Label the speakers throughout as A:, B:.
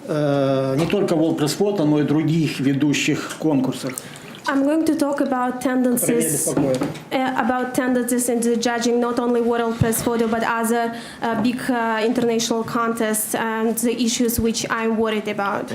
A: не только World Press Photo, но и других ведущих конкурсах.
B: I'm going to talk about tendencies in the judging not only World Press Photo but other big international contests and the issues which I'm worried about.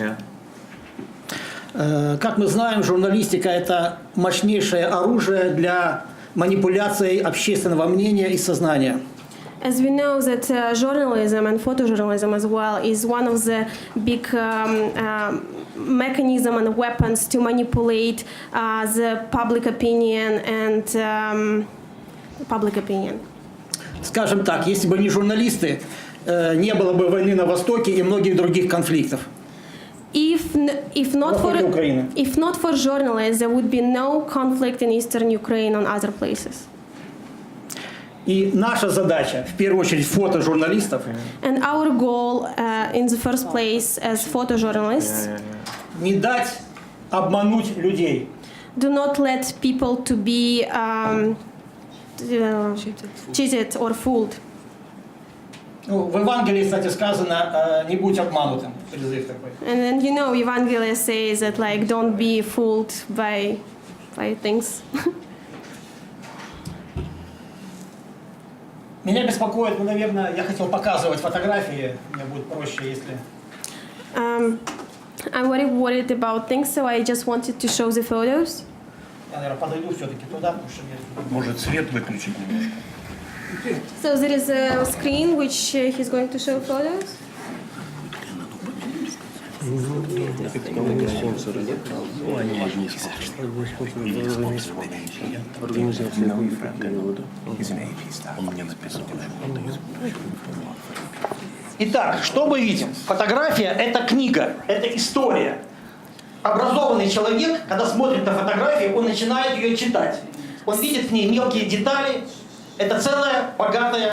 A: Как мы знаем, журналистика – это мощнейшее оружие для манипуляции общественного мнения и сознания.
B: As we know that journalism and photojournalism as well is one of the big mechanism and weapons to manipulate the public opinion and public opinion.
A: Скажем так, если бы не журналисты, не было бы войны на Востоке и многих других конфликтов.
B: If not for journalists, there would be no conflict in eastern Ukraine and other places.
A: И наша задача, в первую очередь, фотожурналистов,
B: and our goal, in the first place, as photojournalists,
A: не дать обмануть людей.
B: Do not let people to be cheated or fooled.
A: Ну, в Евангелии, кстати, сказано, не будь обманутым. Призыв такой.
B: And then you know, Evangelion says that like don't be fooled by things.
A: Меня беспокоит, ну, наверное, я хотел показывать фотографии, мне будет проще, если...
B: I'm very worried about things, so I just wanted to show the photos.
A: Я, наверное, подойду все-таки туда, потому что мне...
C: Может, свет выключить немножко?
B: So there is a screen which he's going to show photos.
A: Итак, что мы видим? Фотография – это книга, это история. Образованный человек, когда смотрит на фотографию, он начинает ее читать. Он видит в ней мелкие детали. Это целая богатая